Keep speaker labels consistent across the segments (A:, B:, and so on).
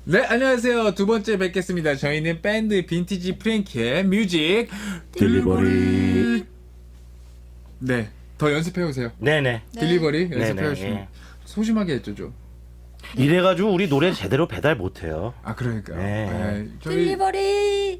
A: 네, 안녕하세요. 두 번째 뵙겠습니다. 저희는 밴드 빈티지 프랭키의 뮤직
B: 딜리버리.
A: 네, 더 연습해오세요.
B: 네네.
A: 딜리버리
B: 네네,
A: 연습해오시면
B: 예.
A: 소심하게 했죠, 좀.
B: 이래가지고 우리 노래 제대로 배달 못해요.
A: 아, 그러니까요.
B: 네.
A: 저희
C: 딜리버리.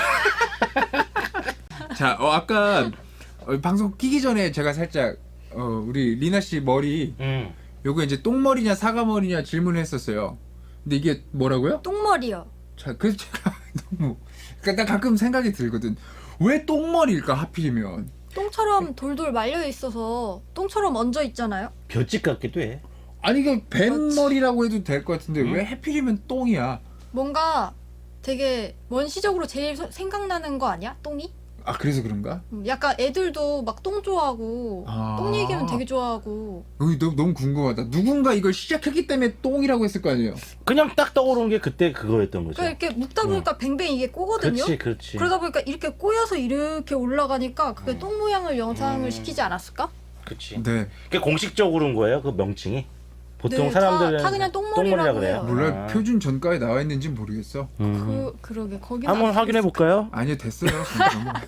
A: 자, 아까 방송 끼기 전에 제가 살짝 우리 리나 씨 머리 요거 이제 똥머리냐 사과머리냐 질문을 했었어요. 근데 이게 뭐라고요?
C: 똥머리요.
A: 자, 그래서 제가 너무 그러니까 나 가끔 생각이 들거든. 왜 똥머리일까 하필이면?
C: 똥처럼 돌돌 말려 있어서 똥처럼 얹어 있잖아요.
B: 볏짚 같기도 해.
A: 아니 이게 뱀머리라고 해도 될 것 같은데 왜 하필이면 똥이야?
C: 뭔가 되게 원시적으로 제일 생각나는 거 아니야? 똥이?
A: 아, 그래서 그런가?
C: 약간 애들도 막 똥 좋아하고
A: 아.
C: 똥 얘기하면 되게 좋아하고.
A: 너무 궁금하다. 누군가 이걸 시작했기 때문에 똥이라고 했을 거 아니에요?
B: 그냥 딱 떠오른 게 그때 그거였던 거죠.
C: 그러니까 이렇게 묻다 보니까 뱅뱅 이게 꼬거든요.
B: 그렇지.
C: 그러다 보니까 이렇게 꼬여서 이렇게 올라가니까 그게 똥 모양을 영상을 시키지 않았을까?
B: 그렇지.
A: 네.
B: 그게 공식적으로는 거예요, 그 명칭이. 보통
C: 네,
B: 사람들은
C: 다 그냥 똥머리라고 해요.
A: 몰라
B: 아.
A: 표준 전가에 나와 있는지 모르겠어.
C: 그러게 거기
B: 한번 확인해 볼까요?
A: 아니요, 됐어요. 진짜.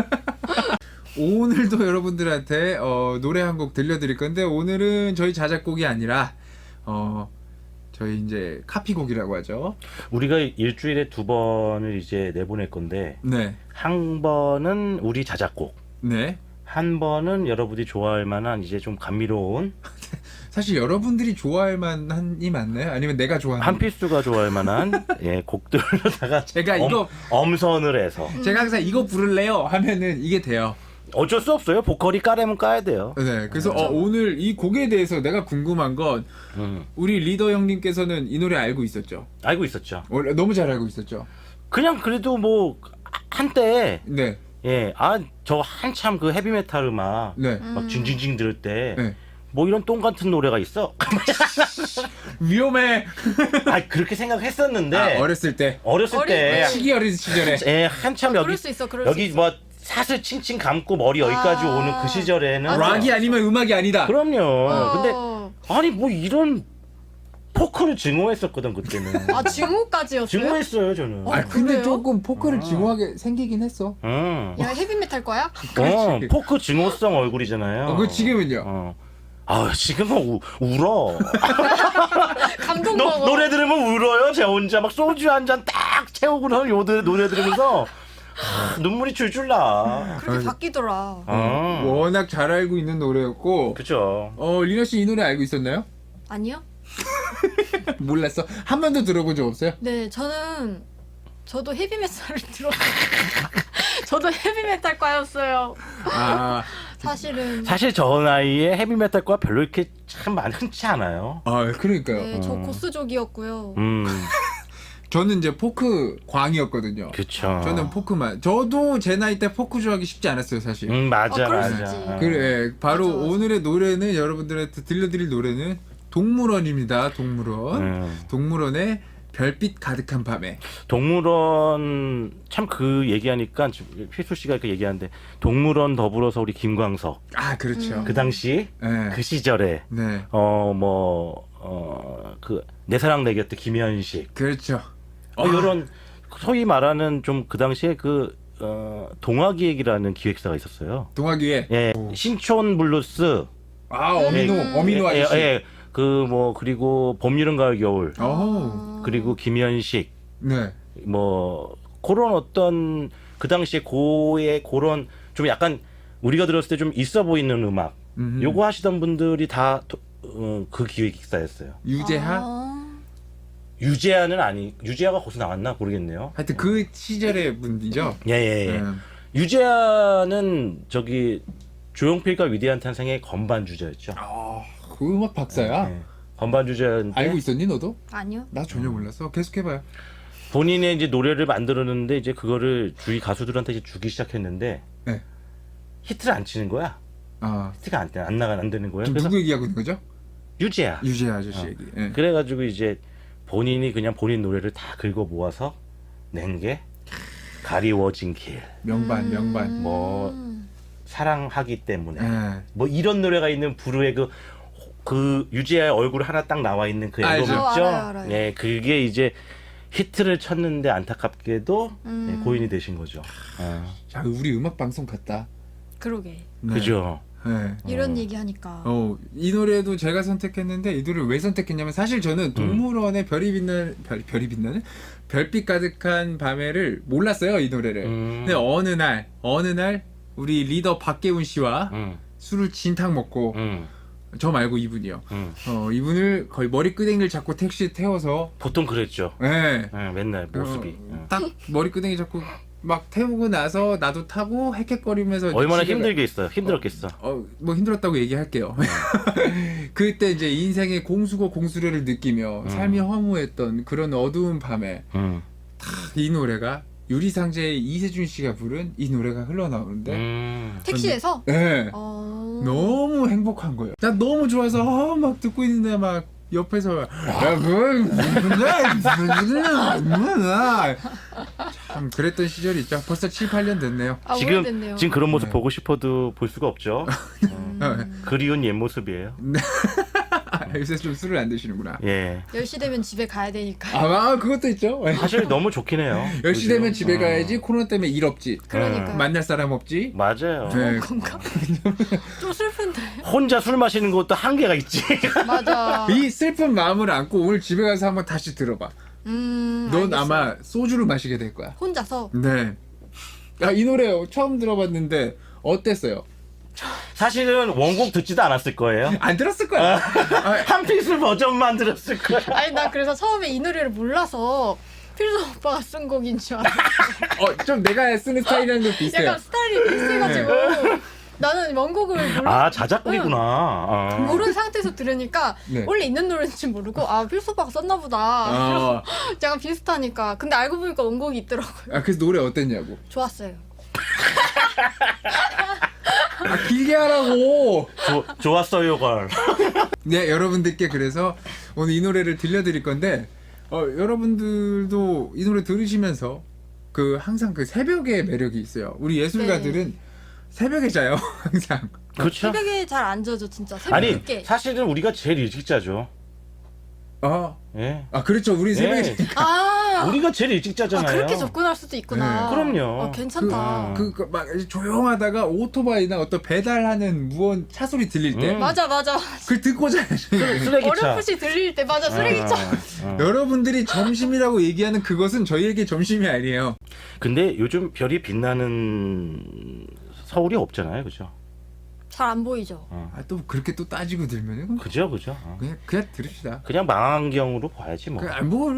A: 오늘도 여러분들한테 노래 한 곡 들려드릴 건데 오늘은 저희 자작곡이 아니라 저희 이제 카피곡이라고 하죠.
B: 우리가 일주일에 2번을 이제 내보낼 건데
A: 네,
B: 한 번은 우리 자작곡,
A: 네.
B: 한 번은 여러분이 좋아할 만한 이제 좀 감미로운
A: 사실 여러분들이 좋아할 만한이 맞나요? 아니면 내가 좋아하는?
B: 한필수가 좋아할 만한 예, 곡들로다가
A: 제가 이거
B: 엄선을 해서
A: 제가 항상 이거 부를래요 하면은 이게 돼요.
B: 어쩔 수 없어요. 보컬이 까려면 까야 돼요.
A: 네, 그래서 오늘 이 곡에 대해서 내가 궁금한 건 우리 리더 형님께서는 이 노래 알고 있었죠?
B: 알고 있었죠.
A: 원래 너무 잘 알고 있었죠?
B: 그냥 그래도 뭐 한때
A: 네,
B: 저 한참 그 헤비메탈 음악
A: 네,
B: 막 징징징 들을 때
A: 네.
B: 뭐 이런 똥 같은 노래가 있어.
A: 위험해.
B: 그렇게 생각했었는데
A: 어렸을 때,
B: 어렸을 때
A: 시기 어린 시절에.
B: 예, 한참
C: 그럴
B: 여기
C: 수 있어. 그럴
B: 여기
C: 수 있어.
B: 뭐 사슬 칭칭 감고 머리 여기까지
C: 아.
B: 오는 그 시절에는
A: 락이 아니면 음악이 아니다.
B: 그럼요. 근데
C: 어.
B: 아니 뭐 이런 포크를 증오했었거든 그때는.
C: 아 증오까지였어요?
B: 증오했어요 저는.
A: 아, 근데
C: 그래요?
A: 조금 포크를 증오하게 생기긴 했어.
C: 야 헤비메탈 거야?
A: 그렇지.
B: 포크 증오성 얼굴이잖아요.
A: 그 지금은요?
B: 지금은 울어.
C: 감동 먹어.
B: 노래 들으면 울어요. 제가 혼자 막 소주 한 잔 딱 채우고는 노래 들으면서 눈물이 줄줄 나.
C: 그렇게 바뀌더라.
A: 워낙 잘 알고 있는 노래였고.
B: 그죠.
A: 리나 씨 이 노래 알고 있었나요?
C: 아니요?
A: 몰랐어. 한 번도 들어본 적 없어요?
C: 네 저도 헤비메탈을 들어. 저도 헤비메탈과였어요.
A: 아,
C: 사실은.
B: 사실 저 나이에 헤비메탈과 별로 이렇게 참 많지 않아요.
A: 그러니까요.
C: 네, 저 고스족이었고요.
A: 저는 이제 포크 광이었거든요.
B: 그쵸.
A: 저는 포크만. 저도 제 나이 때 포크 좋아하기 쉽지 않았어요, 사실.
B: 맞아,
C: 그럴 수
B: 맞아.
C: 있지.
A: 그래, 바로
C: 맞아, 맞아.
A: 오늘의 노래는 여러분들한테 들려드릴 노래는 동물원입니다. 동물원. 동물원의 별빛 가득한 밤에.
B: 동물원 참 그 얘기하니까 필수 씨가 이렇게 얘기하는데 동물원 더불어서 우리 김광석
A: 아, 그렇죠.
B: 그 당시
A: 네.
B: 그 시절에
A: 네.
B: 그 내 사랑 내 곁에 김현식
A: 그렇죠.
B: 이런 소위 말하는 좀 그 당시에 그 동화기획이라는 기획사가 있었어요.
A: 동화기에.
B: 예, 신촌 블루스.
A: 어미노 아저씨.
B: 그 뭐 그리고 봄 여름 가을 겨울 그리고 김현식
A: 네.
B: 뭐 그런 어떤 그 당시에 고의 그런 좀 약간 우리가 들었을 때 좀 있어 보이는 음악 요거 하시던 분들이 다 그 기획사였어요.
A: 유재하?
B: 유재하는 유재하가 거기서 나왔나 모르겠네요.
A: 하여튼 그 시절의 분이죠.
B: 예. 유재하는 저기 조용필과 위대한 탄생의 건반 주자였죠.
A: 그 음악 박사야?
B: 네. 건반 주자인데
A: 알고 있었니 너도?
C: 아니요.
A: 나 전혀 몰랐어. 계속해봐요.
B: 본인의 이제 노래를 만들었는데 이제 그거를 주위 가수들한테 이제 주기 시작했는데
A: 네.
B: 히트를 안 치는 거야. 히트가 안 되는 거예요.
A: 지금
B: 그래서
A: 누구 얘기하고 있는 거죠?
B: 유재하.
A: 유재하 아저씨 얘기. 예.
B: 그래가지고 이제 본인이 그냥 본인 노래를 다 긁어 모아서 낸 게 가리워진 길,
A: 명반.
B: 뭐 사랑하기 때문에
A: 예.
B: 뭐 이런 노래가 있는 부르의 그 유재하의 얼굴 하나 딱 나와 있는 그 앨범
A: 알죠.
B: 있죠.
C: 알아요.
B: 네, 그게 이제 히트를 쳤는데 안타깝게도 네, 고인이 되신 거죠.
A: 자, 우리 음악 방송 같다.
C: 그러게.
A: 네.
B: 그죠.
A: 네.
C: 이런 얘기 하니까.
A: 이 노래도 제가 선택했는데 이 노래를 왜 선택했냐면 사실 저는 동물원의 별이 빛나는 별빛 가득한 밤에를 몰랐어요, 이 노래를. 근데 어느 날 우리 리더 박계훈 씨와 술을 진탕 먹고 저 말고 이분이요. 이분을 거의 머리끄댕이를 잡고 택시에 태워서
B: 보통 그랬죠.
A: 네.
B: 맨날 모습이.
A: 딱 머리끄댕이 잡고 막 태우고 나서 나도 타고 헥헥거리면서
B: 얼마나
A: 집에
B: 힘들었겠어.
A: 뭐 힘들었다고 얘기할게요. 그때 이제 인생의 공수고공수료를 느끼며 삶이 허무했던 그런 어두운 밤에 이 노래가 유리상자의 이세준 씨가 부른 이 노래가 흘러나오는데
C: 택시에서?
A: 네. 너무 행복한 거예요. 난 너무 좋아서 막 듣고 있는데 막 옆에서 참 그랬던 시절이 있죠. 벌써 7, 8년 됐네요.
C: 아,
B: 지금
C: 오래됐네요.
B: 그런 모습 보고 싶어도 볼 수가 없죠. 그리운 옛 모습이에요.
A: 요새 좀 술을 안 드시는구나.
B: 예.
C: 10시 되면 집에 가야 되니까.
A: 그것도 있죠.
B: 사실 너무 좋긴 해요.
A: 10시 되면 집에 가야지. 코로나 때문에 일 없지.
C: 그러니까.
A: 만날 사람 없지.
B: 맞아요.
A: 네.
C: 건가? 좀 슬픈데.
B: 혼자 술 마시는 것도 한계가 있지.
C: 맞아.
A: 이 슬픈 마음을 안고 오늘 집에 가서 한번 다시 들어봐. 넌
C: 알겠어요.
A: 아마 소주를 마시게 될 거야.
C: 혼자서.
A: 네. 이 노래 처음 들어봤는데 어땠어요?
B: 사실은 원곡 듣지도 않았을 거예요.
A: 안 들었을 거야.
B: 한필수 버전만 들었을 거야.
C: 아니 나 그래서 처음에 이 노래를 몰라서 필수 오빠가 쓴 곡인 줄 알았어.
A: 좀 내가 쓰는 스타일이랑 좀 비슷해요.
C: 약간 스타일이 비슷해가지고 나는 원곡을
B: 자작곡이구나.
C: 모르는 상태에서 들으니까
A: 네.
C: 원래 있는 노래인지 모르고 필수 오빠가 썼나 보다. 약간 비슷하니까. 근데 알고 보니까 원곡이 있더라고요.
A: 그래서 노래 어땠냐고.
C: 좋았어요.
A: 길게 하라고.
B: 좋았어요, 걸.
A: 네, 여러분들께 그래서 오늘 이 노래를 들려드릴 건데 여러분들도 이 노래 들으시면서 항상 그 새벽의 매력이 있어요. 우리 예술가들은 새벽에 자요, 항상.
B: 그렇죠.
C: 새벽에 잘 안 자죠, 진짜. 새벽
B: 아니
C: 늦게.
B: 사실은 우리가 제일 일찍 자죠. 예.
A: 그렇죠. 우리 새벽에
B: 네.
A: 자니까.
B: 우리가 제일 일찍 자잖아요.
C: 그렇게 접근할 수도 있구나.
B: 네. 그럼요.
C: 괜찮다.
A: 막 조용하다가 오토바이나 어떤 배달하는 무언 차 소리 들릴 때
C: 맞아.
A: 그걸 듣고 자요.
B: 쓰레기차.
C: 어렴풋이 들릴 때 맞아, 쓰레기차.
A: 여러분들이 점심이라고 얘기하는 그것은 저희에게 점심이 아니에요.
B: 근데 요즘 별이 빛나는 서울이 없잖아요, 그죠?
C: 잘 안 보이죠.
A: 또 그렇게 또 따지고 들면은
B: 그죠.
A: 그냥 들읍시다.
B: 그냥 망원경으로 봐야지 뭐.
A: 뭘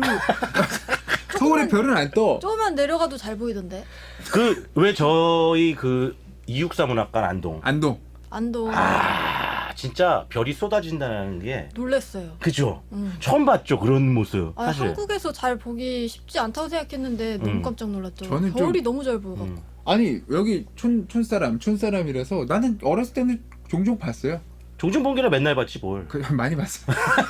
A: 서울의 별은 안 떠.
C: 조금만 내려가도 잘 보이던데.
B: 왜 저희 이육사 문학관 안동.
C: 안동.
B: 진짜 별이 쏟아진다는 게
C: 놀랬어요.
B: 그죠? 처음 봤죠 그런 모습. 사실.
C: 한국에서 잘 보기 쉽지 않다고 생각했는데 너무 깜짝 놀랐죠.
A: 저는
C: 별이 너무 잘 보여갖고.
A: 아니 여기 촌사람이라서 나는 어렸을 때는 종종 봤어요.
B: 종종 본게라 맨날 봤지 뭘.
A: 많이 봤어.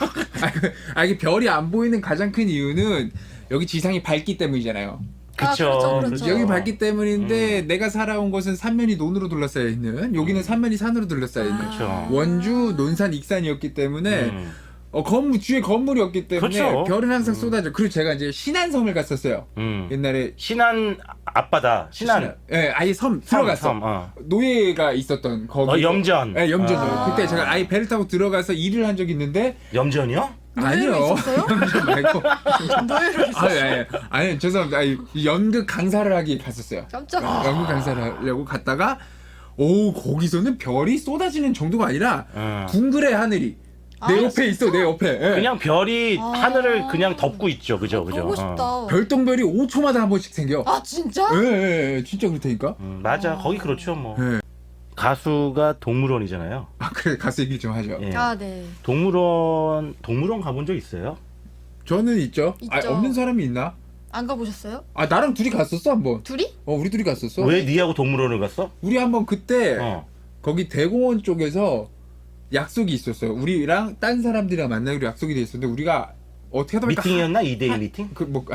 A: 이게 별이 안 보이는 가장 큰 이유는 여기 지상이 밝기 때문이잖아요.
B: 그쵸.
C: 그렇죠.
A: 여기 밝기 때문인데 내가 살아온 곳은 삼면이 논으로 둘러싸여 있는, 여기는 삼면이 산으로 둘러싸여 있는
B: 그쵸.
A: 원주, 논산, 익산이었기 때문에 주위에 건물이 없기 때문에
B: 그쵸.
A: 별은 항상 쏟아져. 그리고 제가 이제 신안섬을 갔었어요. 옛날에
B: 신안 앞바다. 신안.
A: 예, 아예 섬 들어갔어.
B: 섬,
A: 노예가 있었던 거기.
B: 염전.
A: 예, 염전. 그때 제가 아예 배를 타고 들어가서 일을 한 적이 있는데
B: 염전이요?
A: 아니요.
C: 있었어요?
A: 염전 말고.
C: 노예로 있었어요.
A: 아니 죄송합니다. 연극 강사를 하기 갔었어요.
C: 깜짝이야.
A: 연극 강사를 하려고 갔다가 거기서는 별이 쏟아지는 정도가 아니라 둥그레 하늘이 내 옆에 있어, 내 옆에. 예.
B: 그냥 별이 하늘을 그냥 덮고 있죠, 그죠?
C: 보고 싶다.
A: 별똥별이 5초마다 한 번씩 생겨.
C: 진짜?
A: 예, 진짜 그렇다니까.
B: 맞아, 거기 그렇죠, 뭐.
A: 예.
B: 가수가 동물원이잖아요.
A: 그래, 가수 얘기 좀 하죠.
B: 예.
C: 네.
B: 동물원 가본 적 있어요?
A: 저는 있죠.
C: 있죠.
A: 없는 사람이 있나?
C: 안 가보셨어요?
A: 나랑 둘이 갔었어, 한번.
C: 둘이?
A: 우리 둘이 갔었어.
B: 왜 니하고 동물원을 갔어?
A: 우리 한번 그때
B: 어.
A: 거기 대공원 쪽에서 약속이 있었어요. 우리랑 딴 사람들이랑 만나기로 약속이 돼 있었는데 우리가 어떻게 하다 보니까
B: 미팅이었나? 2대1 미팅?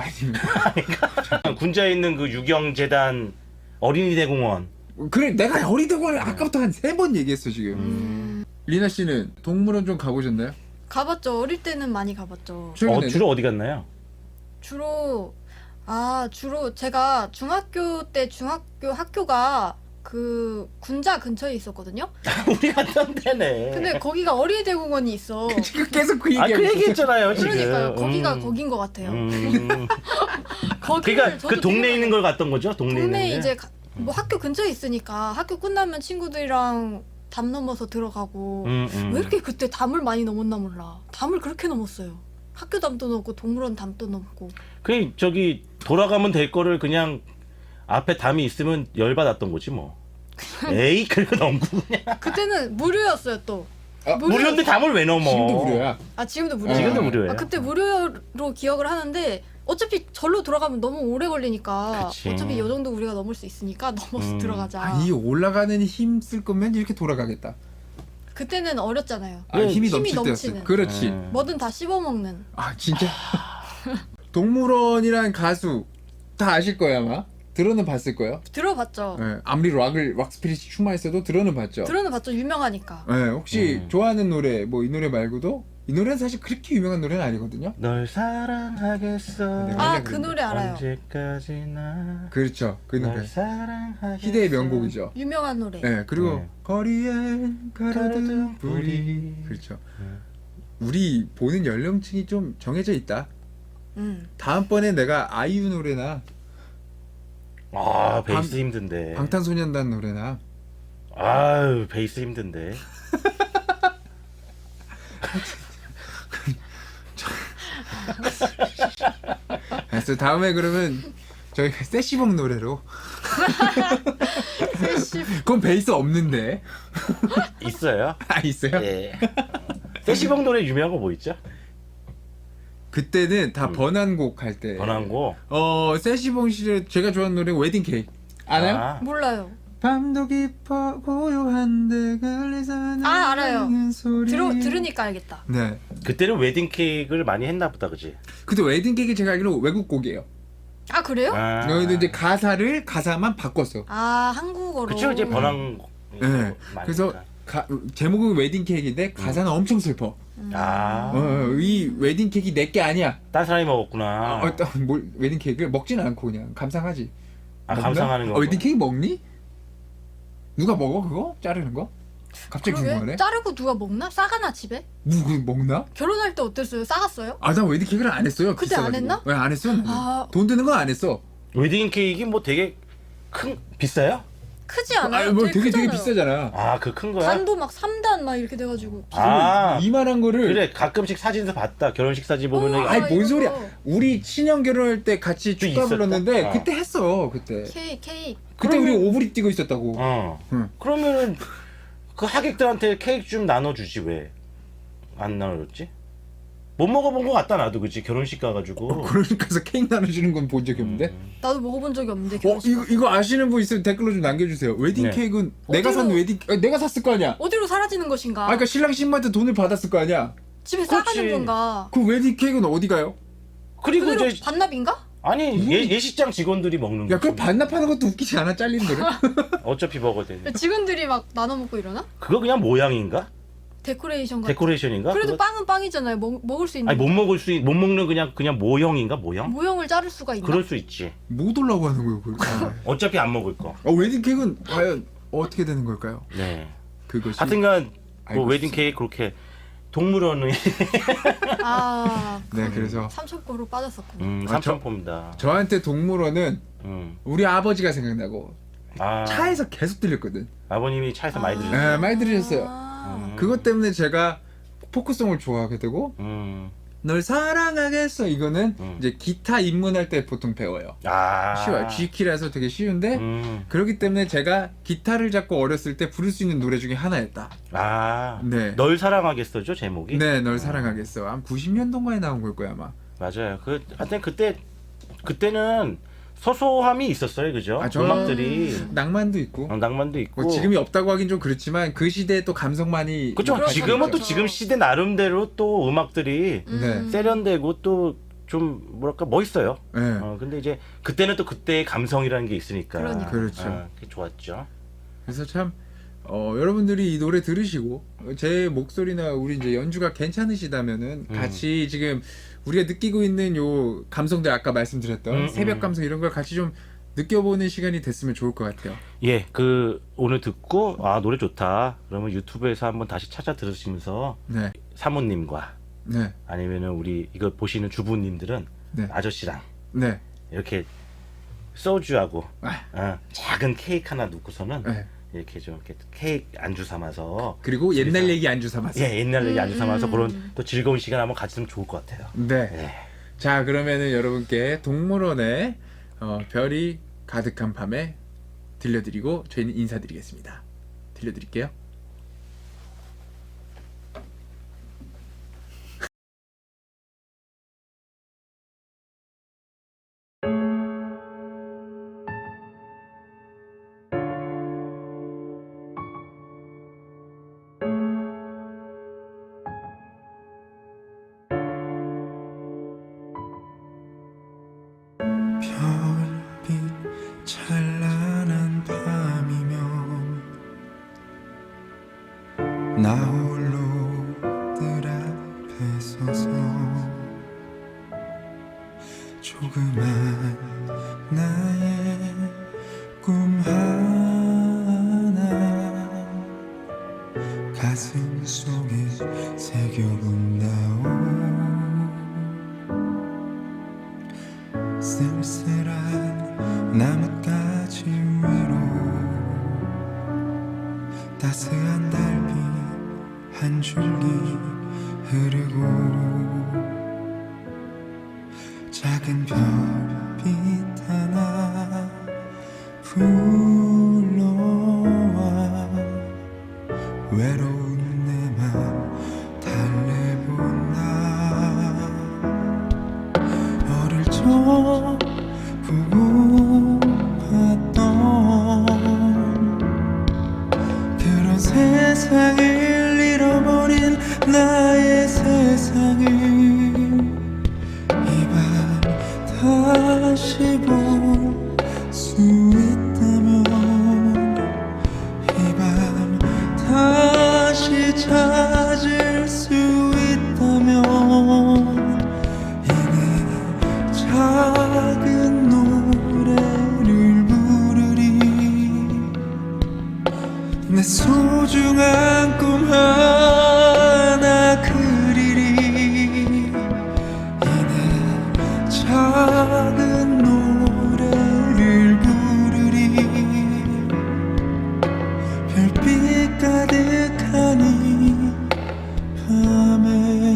B: 군자에 있는 그 유경재단 어린이 대공원.
A: 그래, 내가 어리대공원을 아까부터 한 3번 얘기했어 지금. 리나 씨는 동물원 좀 가보셨나요?
C: 가봤죠. 어릴 때는 많이 가봤죠.
A: 최근에는?
B: 주로 어디 갔나요?
C: 주로 제가 중학교 때 학교가 그 군자 근처에 있었거든요.
B: 우리 갔던 데네.
C: 근데 거기가 어린이대공원이 있어.
A: 계속 그
B: 아, 그
A: 얘기하고 있었어.
B: 얘기했잖아요 지금.
C: 그러니까요. 거기가 거긴 것 같아요. 거기를
B: 그러니까
C: 저도
B: 그 동네에
C: 되게
B: 있는 걸 갔던 거죠? 동네에
C: 동네
B: 있는
C: 이제 뭐 학교 근처에 있으니까 학교 끝나면 친구들이랑 담 넘어서 들어가고 왜 이렇게 그때 담을 많이 넘었나 몰라. 담을 그렇게 넘었어요. 학교 담도 넘고 동물원 담도 넘고.
B: 그 저기 돌아가면 될 거를 그냥 앞에 담이 있으면 열 받았던 거지 뭐. 에이 그래도 넘고 그냥.
C: 그때는 무료였어요 또.
B: 무료인데 담을 왜 넘어?
A: 지금도 무료야.
C: 아 지금도 무료예요.
B: 지금도 무료예요.
C: 그때 무료로 기억을 하는데 어차피 절로 돌아가면 너무 오래 걸리니까
B: 그치.
C: 어차피 요 정도 우리가 넘을 수 있으니까 넘어서 들어가자.
A: 아니 올라가는 힘 쓸 거면 이렇게 돌아가겠다.
C: 그때는 어렸잖아요.
A: 아, 힘이
C: 힘이
A: 넘칠 때였어.
C: 넘치는.
A: 그렇지.
C: 뭐든 다 씹어먹는.
A: 아 진짜. 동물원이란 가수 다 아실 거예요 아마. 들어는 봤을 거예요.
C: 들어봤죠.
A: 네, 아무리 락 스피릿이 충만했어도 들어는 봤죠.
C: 들어는 봤죠. 유명하니까.
A: 네, 혹시 좋아하는 노래 뭐 이 노래 말고도 이 노래는 사실 그렇게 유명한 노래는 아니거든요.
B: 널 사랑하겠어.
A: 네,
C: 아 그 노래 알아요.
B: 언제까지나.
A: 그렇죠. 그
B: 널
A: 노래.
B: 사랑하겠어.
A: 희대의 명곡이죠.
C: 유명한 노래.
A: 네, 그리고
B: 네.
A: 거리에 가로등 불이. 그렇죠. 우리 보는 연령층이 좀 정해져 있다. 다음번에 내가 아이유 노래나
B: 아 베이스 힘든데.
A: 방탄소년단 노래나
B: 아유 베이스 힘든데.
A: 그래서 다음에 그러면 저희가 세시봉 노래로 그건 베이스 없는데
B: 있어요?
A: 아 있어요?
B: 예. 세시봉 노래 유명한 거 뭐 있죠?
A: 그때는 다 번안곡 할 때
B: 번안고.
A: 세시봉 시절 제가 좋아하는 노래 웨딩 케이크 알아요?
B: 아,
C: 몰라요.
A: 밤도 깊어 고요한데 걸리서
C: 아, 알아요.
A: 나는 소리
C: 들으니까 알겠다.
A: 네
B: 그때는 웨딩 케이크를 많이 했나 보다, 그지?
A: 근데 웨딩 케이크 제가 알기로 외국 곡이에요.
C: 아 그래요? 아,
A: 여기도 이제 가사만 바꿨어.
C: 한국어로.
B: 그쵸 이제 번안.
A: 네. 그래서 제목은 웨딩 케이크인데 가사는 엄청 슬퍼.
B: 아,
A: 이 웨딩 케이크 내게 아니야.
B: 딴 사람이 먹었구나.
A: 웨딩 케이크를 먹지는 않고 그냥 감상하지.
B: 아,
A: 먹나?
B: 감상하는 거.
A: 웨딩 케이크 먹니? 누가 먹어 그거? 자르는 거? 갑자기 궁금하네.
C: 그러게? 자르고 누가 먹나? 싸가나 집에?
A: 누구 먹나?
C: 결혼할 때 어땠어요? 싸갔어요?
A: 아, 나 웨딩 케이크를 안 했어요.
C: 그때 안
A: 비싸가지고.
C: 했나?
A: 네, 안 했어요. 나는.
C: 아.
A: 돈 드는 건 안 했어.
B: 웨딩 케이크 뭐 되게 비싸요?
C: 크지 않아요?
A: 아, 뭐 되게
C: 크잖아요.
A: 비싸잖아.
B: 아, 그 큰 거야?
C: 단도 막 3단 막 이렇게 돼가지고.
B: 아,
A: 이만한 거를
B: 그래 가끔씩 사진에서 봤다. 결혼식 사진 보면은
C: 아,
A: 아이 뭔
C: 이거.
A: 소리야? 우리 친형 결혼할 때 같이
B: 또
A: 축가
B: 있었다?
A: 불렀는데
B: 어.
A: 그때 했어 그때.
C: 케이크.
A: 그때 우리
B: 그러면-
A: 오브리 뛰고 있었다고. 응.
B: 그러면은 그 하객들한테 케이크 좀 나눠주지 왜 안 나눠줬지? 못 먹어본 것 같다 나도 그치 결혼식 가가지고.
A: 그러니까서 케이크 나눠주는 건 본 적이 없는데.
C: 나도 먹어본 적이 없는데 결혼식.
A: 이거 아시는 분 있으면 댓글로 좀 남겨주세요. 웨딩
B: 네.
A: 케이크는 내가 산
C: 어디로-
A: 웨딩 내가 샀을 거 아니야.
C: 어디로 사라지는 것인가?
A: 아, 그러니까 신랑 신부한테 돈을 받았을 거 아니야.
C: 집에
B: 그렇지.
C: 싸가는 건가?
A: 그 웨딩 케이크는 어디 가요?
B: 그리고
C: 그대로
B: 이제
C: 반납인가?
B: 아니 예식장 직원들이 먹는
A: 야,
B: 거지.
A: 그 반납하는 것도 웃기지 않아? 잘린 노래?
B: 어차피 먹어야
C: 직원들이 막 나눠 먹고 이러나?
B: 그거 그냥 모양인가?
C: 데코레이션 같은.
B: 데코레이션인가?
C: 그래도
B: 그거-
C: 빵은 빵이잖아요. 먹을 수 있는.
B: 아니 못 먹는 그냥 모형인가 모형?
C: 모형을 자를 수가 있나?
B: 그럴 수 있지.
A: 못 올라고 하는 거예요, 그걸.
B: 어차피 안 먹을 거.
A: 웨딩 케이크는 과연 어떻게 되는 걸까요?
B: 네.
A: 그것이.
B: 하여튼간 뭐
A: 알고
B: 웨딩
A: 있어요.
B: 케이크 그렇게 동물원의
C: 아.
A: 네, 그래서
C: 삼천포로 빠졌었구나.
B: 삼천포입니다.
A: 저한테 동물원은 우리 아버지가 생각나고
B: 아
A: 차에서 계속 들렸거든.
B: 아버님이 차에서 많이
A: 네,
B: 들으셨어요.
A: 많이 들으셨어요.
C: 아.
A: 그것 때문에 제가 포크송을 좋아하게 되고 널 사랑하겠어 이거는 이제 기타 입문할 때 보통 배워요.
B: 아
A: 쉬워요. G키라서 되게 쉬운데 그렇기 때문에 제가 기타를 잡고 어렸을 때 부를 수 있는 노래 중에 하나였다.
B: 아,
A: 네.
B: 널 사랑하겠어죠 제목이?
A: 네, 널 사랑하겠어. 한 90년도인가에 나온 걸 거야 아마.
B: 맞아요. 하여튼 그때는 소소함이 있었어요, 그죠?
A: 저
B: 음악들이
A: 낭만도 있고.
B: 낭만도 있고.
A: 뭐 지금이 없다고 하긴 좀 그렇지만 그 시대에 또 감성만이.
B: 그죠?
C: 그렇죠,
B: 지금은 또
C: 그렇죠.
B: 지금 시대 나름대로 또 음악들이
A: 네.
B: 세련되고 또 좀 뭐랄까 멋있어요.
A: 네.
B: 근데 이제 그때는 또 그때의 감성이라는 게 있으니까.
C: 그러니까.
A: 그렇죠.
B: 그게 좋았죠.
A: 그래서 참 여러분들이 이 노래 들으시고 제 목소리나 우리 이제 연주가 괜찮으시다면은 같이 지금 우리가 느끼고 있는 요 감성들 아까 말씀드렸던 새벽 감성 이런 걸 같이 좀 느껴보는 시간이 됐으면 좋을 것 같아요.
B: 예, 오늘 듣고 노래 좋다. 그러면 유튜브에서 한번 다시 찾아 들으시면서
A: 네,
B: 사모님과
A: 네,
B: 아니면은 우리 이거 보시는 주부님들은
A: 네.
B: 아저씨랑
A: 네.
B: 이렇게 소주하고
A: 아.
B: 작은 케이크 하나 놓고서는
A: 네.
B: 이렇게 좀 이렇게 케이크 안주 삼아서
A: 그리고 옛날 얘기 안주 삼아서.
B: 옛날 얘기 안주 삼아서 그런 또 즐거운 시간 한번 가지면 좋을 것 같아요.
A: 네.
B: 예.
A: 자, 그러면은 여러분께 동물원의 별이 가득한 밤에 들려드리고 저희는 인사드리겠습니다. 들려드릴게요.
D: 별빛 찬란한 밤이면 나 홀로 뜰 앞에 서서 조그만 나의 꿈 하나 가슴 속에 새겨본다오. 쓸쓸한 나뭇가지 위로 따스한 달빛 한 줄기 흐르고 작은 별빛 하나 불러와 외로운 내 맘 달래본다. 어릴 적 보고 봤던 그런 세상을 잃어버린 나의 세상을 이 밤 다시 볼 수 있다면 이 밤 다시 찾을 수 있다면 작은 노래를 부르리. 내 소중한 꿈 하나 그리리. 이내 작은 노래를 부르리. 별빛 가득한 이 밤에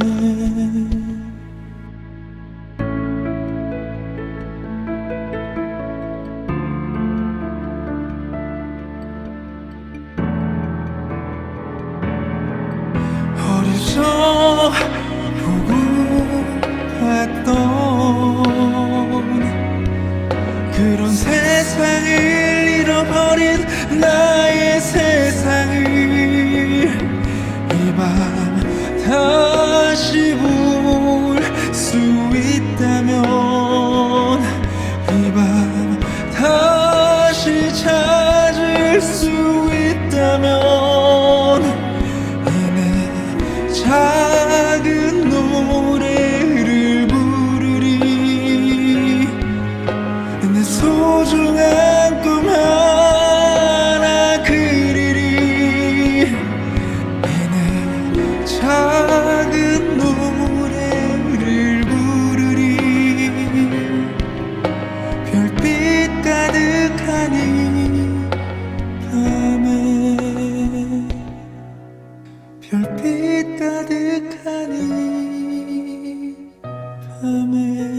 D: 어려서 보고 봤던 그런 세상을 잃어버린 나의 세상을 이 밤 다시 볼 수 있다면 이 밤 다시 찾을 수 있다면 작은 노래를 부르리. 내 소중한 꿈 하나 그리리. 이내 작은 노래를 부르리. 별빛 가득한 이 밤에 별빛 가득한 이 밤에